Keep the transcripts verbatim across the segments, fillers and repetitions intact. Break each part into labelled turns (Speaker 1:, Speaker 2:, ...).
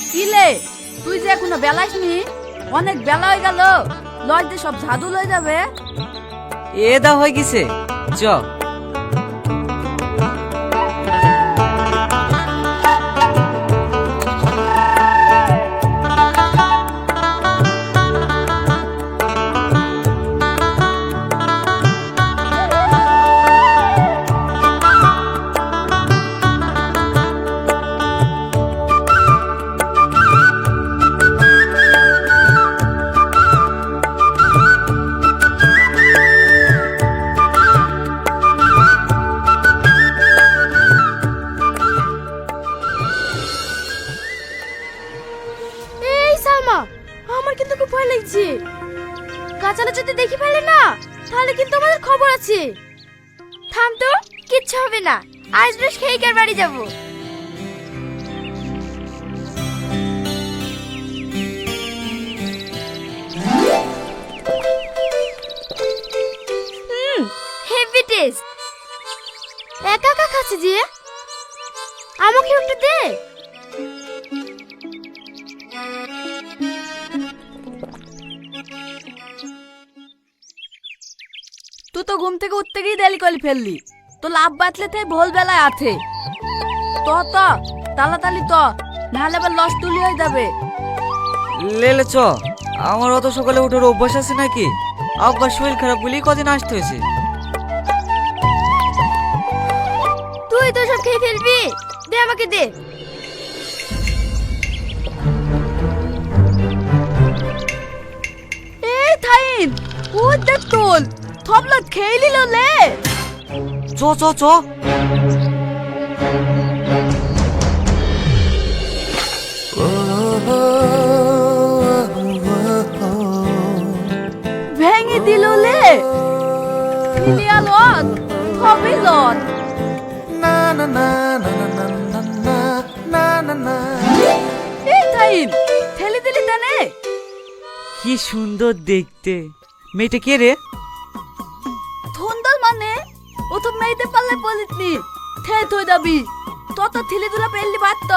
Speaker 1: কি লে, তুই যে এখনো বেলাসনি? অনেক বেলা হয়ে গেল, লজ দিয়ে সব ঝাড়ু লয়ে যাবে।
Speaker 2: এ দা হয়ে গেছে, চ।
Speaker 3: এই সালমা, আমার কিন্তু খুব ভয় লাগছে। গাছালা যদি দেখি ফেলে না, তাহলে কিন্তু আমাদের খবর আছে। থাম তো, কিচ্ছু হবে না। আজ রোজ খেয়ে বাড়ি যাব। হুম, হেভি টেস্ট। একা একা খাচ্ছি যে, আমাকে একটু দে।
Speaker 1: তুই তো ঘুম থেকে উঠতে গিয়ে দেরি করে ফেললি। তো লাভ বাতলে তাই ভোল বেলায় আছে। তো তো তাড়াতাড়ি তো, নাহলে আবার লস তুলি হয়ে যাবে।
Speaker 2: লেলে চ, আমার অত সকালে উঠার অভ্যাস আছে নাকি? আব্বার শরীর খারাপ বলেই কদিন আসতে হয়েছে।
Speaker 3: তুই তো সব খেয়ে ফেলবি, দে আমাকে দে।
Speaker 1: এই থাইন, ও দেখ তোল থবলা খেয়ে নিল লে।
Speaker 2: চ চ চ।
Speaker 1: ভেঙে দিল লে। ফিলিয়া লন, থবি লন। এই থাইন, ঠেলে দিলি তানে।
Speaker 2: কি সুন্দর দেখতে। মেয়েটা কে রে?
Speaker 1: ধন্দল মানে ও তো মেয়েতে পারলে বলিতনি থে থই যাবি। তত ঠেলে দুলা পেললি বাত।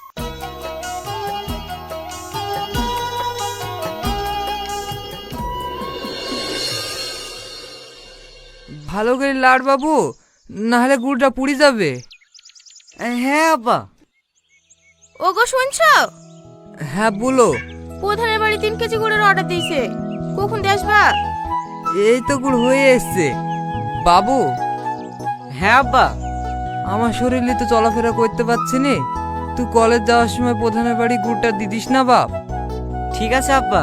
Speaker 4: ভালো করে লাড় বাবু, নাহলে গুড়টা পুড়ে যাবে।
Speaker 2: হ্যাঁ আব্বা।
Speaker 3: ওগো শুনছো?
Speaker 4: হ্যাঁ বলো।
Speaker 3: প্রধানের বাড়ি তিন কেজি গুড়ের অর্ডার দিয়েছে, কখন দিয়ে আসবা?
Speaker 4: এই তো গুড় হয়ে এসছে। বাবু,
Speaker 2: হ্যাঁ আব্বা।
Speaker 4: আমার শরীরে তো চলাফেরা করতে পারছি নি, তুই কলেজ যাওয়ার সময় প্রধানের বাড়ি গুড়টা দিদিস না বাপ।
Speaker 2: ঠিক আছে আব্বা।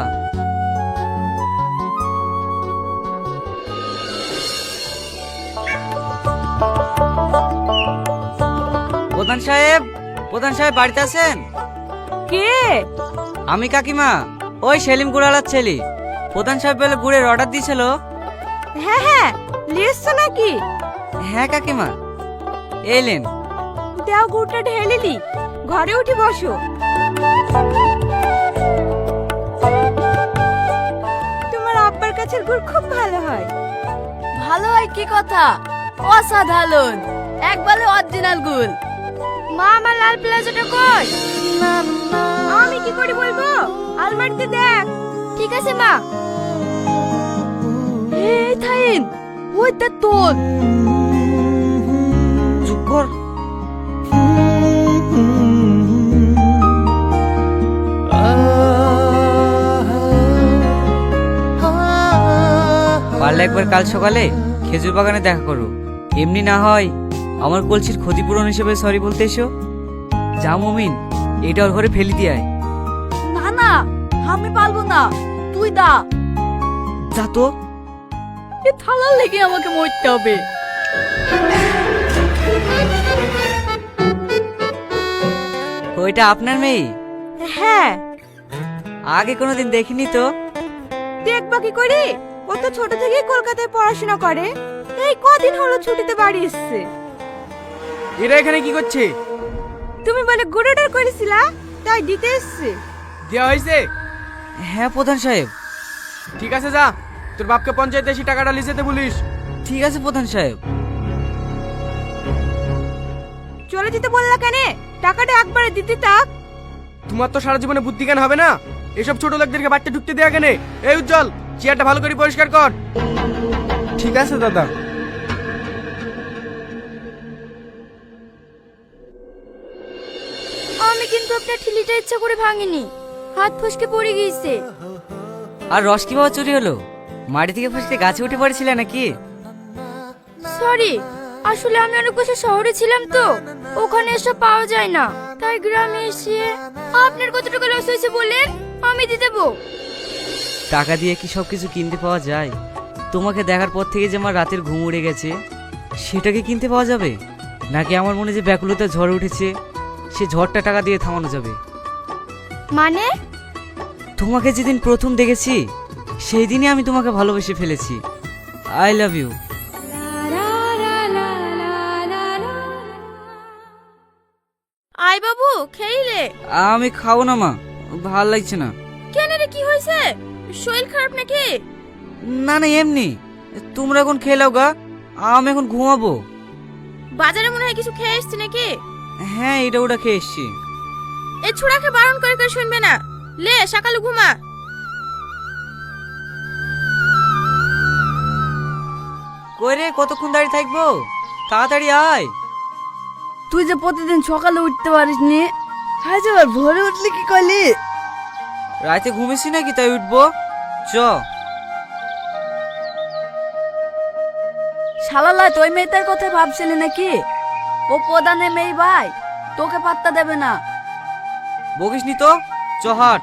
Speaker 2: প্রধান সাহেব, প্রধান সাহেব বাড়িতে আছেন?
Speaker 1: কে?
Speaker 2: আমি কাকিমা, ওই সেলিম গুড়ালার ছেলে। প্রধান সাহেব বলে গুড়ের অর্ডার দিয়েছিল।
Speaker 1: হ্যাঁ হ্যাঁ, লিয়েছ নাকি?
Speaker 2: হ্যাঁ কাকিমা, এলেন।
Speaker 1: দাও গুড়টা ঢেলিলি, ঘরে উঠে বসো। তোমার আব্বার কাছের গুড় খুব ভালো হয়। ভালো হয় কি কথা, অসাধারণ, একবারে অরিজিনাল গুড়।
Speaker 3: মা, আমার লাল প্লাজোটা কই?
Speaker 1: আমি কি করে বলবো, আলমারিতে দেখ।
Speaker 3: ঠিক আছে মা।
Speaker 1: এই থাইন, ওইটা তোল।
Speaker 2: চুপ কর। পারলে একবার কাল সকালে খেজুর বাগানে দেখা করো। এমনি না হয় আমার কলসির ক্ষতিপূরণ হিসেবে সরি বলতে এসো। যা মমিন, এটা ওর ঘরে ফেলি দিয়ে আয়।
Speaker 1: না না, আমি পারবো না, তুই দা।
Speaker 2: যা তো।
Speaker 1: এ থালার লেগে আমাকে মরতে হবে।
Speaker 2: ওইটা আপনার মেয়ে?
Speaker 1: হ্যাঁ।
Speaker 2: আগে কোনোদিন দেখিনি তো।
Speaker 1: দেখবা কি করি, ও তো ছোট থেকেই কলকাতায় পড়াশোনা করে, এই কদিন হলো ছুটিতে বাড়ি এসেছে।
Speaker 4: এরা এখানে কি করছে?
Speaker 1: তুমি বলে গুড় অর্ডার করেছিলা, তাই দিতে এসেছে।
Speaker 4: দেওয়া হয়েছে?
Speaker 2: হ্যাঁ প্রধান সাহেব।
Speaker 4: ঠিক আছে, যা তোর বাপকে পঞ্চায়েতে এসে টাকাটা লিখে দে বলিস।
Speaker 2: ঠিক আছে প্রধান সাহেব।
Speaker 1: চলে যেতে বললা কেন? টাকাটা একবারে দিতে থাক।
Speaker 5: তোমার তো সারা জীবনে বুদ্ধি জ্ঞান হবে না, এসব ছোট লোকদেরকে বাড়িতে ঢুকতে দেয়া কেনে? এই উজ্জ্বল, চেয়ারটা ভালো করে পরিষ্কার কর। ঠিক আছে দাদা।
Speaker 3: আমি কিন্তু আপনার ঠিলিটা ইচ্ছা করে ভাঙিনি, হাত ফসকে পড়ে গিয়েছে।
Speaker 2: আর রস কিভাবে চুরি হলো? মাটি থেকে ফসকে গাছে উঠে পড়েছিলে নাকি?
Speaker 3: সরি, আসলে আমি অনেক বছর শহরে ছিলাম তো, ওখানে এসব পাওয়া যায় না, তাই গ্রামে এসে। আপনার কত টাকা লস হয়েছে বলেন, আমি দিয়ে দেবো।
Speaker 2: টাকা দিয়ে কি সব কিছু কিনতে পাওয়া যায়? তোমাকে দেখার পর থেকে যে আমার রাতের ঘুম উড়ে গেছে, সেটাকে কিনতে পাওয়া যাবে? নাকি আমার মনে যে ব্যাকুলতা ঝড় উঠেছে, সে ঝড়টা টাকা দিয়ে থামানো যাবে?
Speaker 3: মানে?
Speaker 2: তোমাকে যেদিন প্রথম দেখেছি, সেই দিনই আমি তোমাকে ভালোবেসে ফেলেছি। I love you.
Speaker 3: আই বাবু, খেইলে?
Speaker 2: আমি খাবো না মা, ভাল লাগছে না।
Speaker 3: কেন রে, কি হয়েছে? শরীর খারাপ নাকি?
Speaker 2: না না, এমনি। তোমরা এখন খেয়ে নাও গা, আমি এখন ঘুমাবো।
Speaker 3: বাজারে মনে হয় কিছু খেয়ে এসছি নাকি?
Speaker 2: হ্যাঁ, এটা ওটা খেয়ে এসছি।
Speaker 3: এই ছোড়াকে বারণ করে করে শুনবে না, লে সকালে ঘুমা।
Speaker 2: কই রে, কতক্ষণ দাঁড়িয়ে থাকবো? তাড়াতাড়ি আয়।
Speaker 1: তুই যে প্রতিদিন সকালে উঠতে পারিস নি, আজ আবার ভোরে উঠলি কি করলি?
Speaker 2: রাতে ঘুমিয়েছি নাকি তাই উঠবো? চ।
Speaker 1: শালালা তুই মেয়েটার কথা ভাবছিলি নাকি? ও প্রধানের মেয়ে ভাই, তোকে পাত্তা দেবে না।
Speaker 2: বকিস নি তো, চ হাট।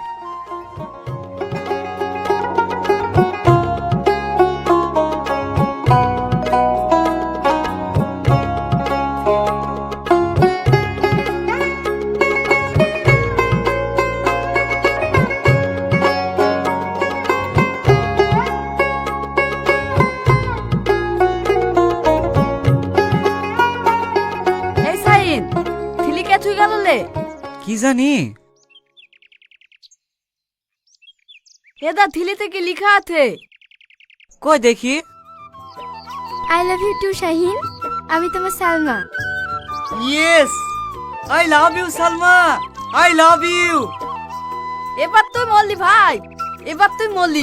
Speaker 1: এই সাইন, থিলি কে তুই গেল লে?
Speaker 2: কি জানি?
Speaker 1: এদা থিলিতে কি লিখা আছে?
Speaker 2: কই দেখি।
Speaker 3: I love you too Shahin, আমি তোমার Salma.
Speaker 2: Yes, I love you Salma, I love you.
Speaker 1: এবার তুই মরলি ভাই, এবার তুই মরলি।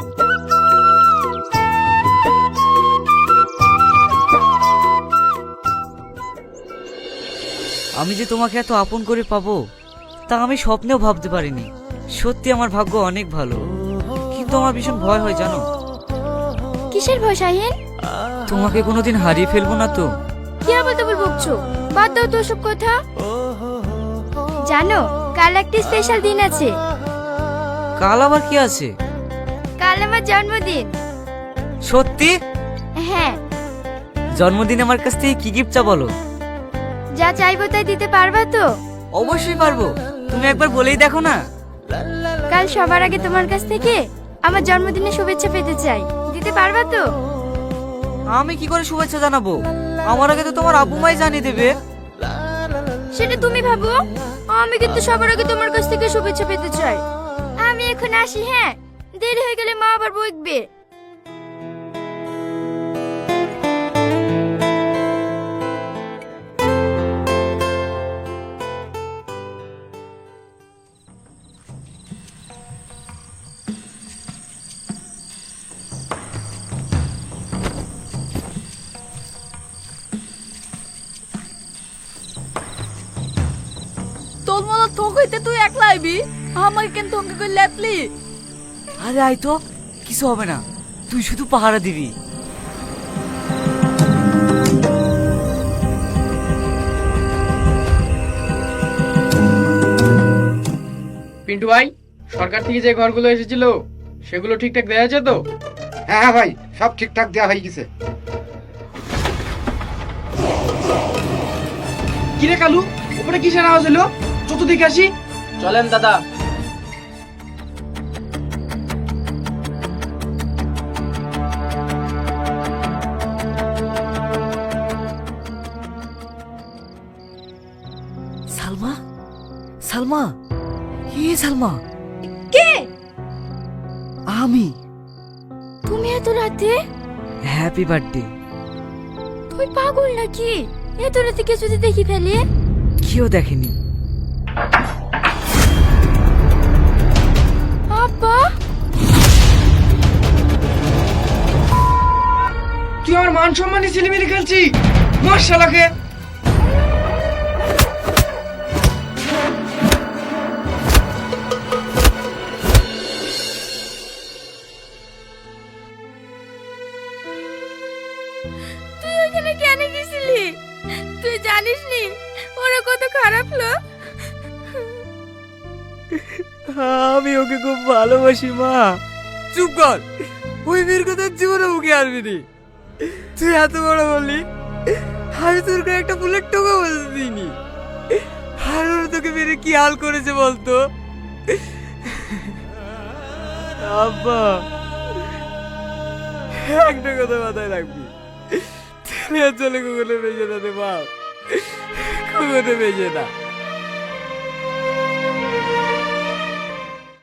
Speaker 2: আমি যে তোমাকে এত আপন করে পাবো, তা আমি স্বপ্নেও ভাবতে পারিনি। সত্যি আমার ভাগ্য অনেক ভালো, কিন্তু আমার ভীষণ ভয় হয় জানো।
Speaker 3: কিসের ভয় শাহিন?
Speaker 2: তোমাকে কোনোদিন হারিয়ে ফেলবো না তো?
Speaker 3: কি আবার তো বকছো, বাদ দাও তো সব কথা। জানো, কাল একটা স্পেশাল দিন আছে।
Speaker 2: কাল আবার কি আছে?
Speaker 3: কাল আমার জন্মদিন।
Speaker 2: সত্যি?
Speaker 3: হ্যাঁ।
Speaker 2: জন্মদিন আমার কাছ থেকে কি গিফট চা বলো?
Speaker 3: যা চাইবো তাই দিতে পারবা তো?
Speaker 2: অবশ্যই পারবো, তুমি একবার বলেই দেখো না।
Speaker 3: কাল সবার আগে তোমার কাছ থেকে আমার জন্মদিনে শুভেচ্ছা পেতে চাই, দিতে পারবা তো?
Speaker 2: আমি কি করে শুভেচ্ছা জানাবো? আমার আগে তো তোমার আব্বু মাই জানিয়ে দেবে।
Speaker 3: সেটা তুমি ভাবো, আমি কিন্তু সবার আগে তোমার কাছ থেকে শুভেচ্ছা পেতে চাই। আমি এখন আসি, হ্যাঁ, দেরি হয়ে গেলে মা আবার বকবে।
Speaker 1: তোর মতো থোক হইতে তুই একলা আইবি, আমাকে কেন থঙ্গে করে লেতলি?
Speaker 2: আরে আয় তো, কিছু হবে না, তুই শুধু পাহারা দিবি।
Speaker 5: পিন্টু ভাই, সরকার থেকে যে ঘরগুলো এসেছিল সেগুলো ঠিকঠাক দেওয়া আছে তো?
Speaker 6: হ্যাঁ হ্যাঁ ভাই, সব ঠিকঠাক দেওয়া হয়ে গেছে।
Speaker 5: কিরে কালু, উপরে কিসের আওয়াজ হলো? চত দেখে আসি। চলেন দাদা।
Speaker 2: সালমা, সালমা, হে সালমা।
Speaker 3: কে?
Speaker 2: আমি।
Speaker 3: তুমি এত রাতে?
Speaker 2: Happy birthday.
Speaker 3: তুই পাগল নাকি? এত রাতে কে যদি দেখি ফেলে?
Speaker 2: কেউ দেখেনি।
Speaker 5: মান সম্মানী ছিলিমিলি খেলছি, মার শালাকে।
Speaker 3: তুই ওখানে কেন গেছিলি? তুই জানিস নি ওরা কত খারাপ লোক।
Speaker 2: আমি ওকে খুব ভালোবাসি মা।
Speaker 4: চুপ কর, ওই মেয়ের কথা জীবনে মুখে আসবি নি। তুই এত বড় বললি, আমি তোর গায়ে একটা ফুলের টোকা বলতে দিইনি। আর ওর তোকে মেরে কি হাল করেছে বলতো?
Speaker 2: আব্বা,
Speaker 4: একটা কথা মাথায় রাখবি, তুই চলে কখনো বেঁচে না রে বাপ, কখনো বেঁচে না।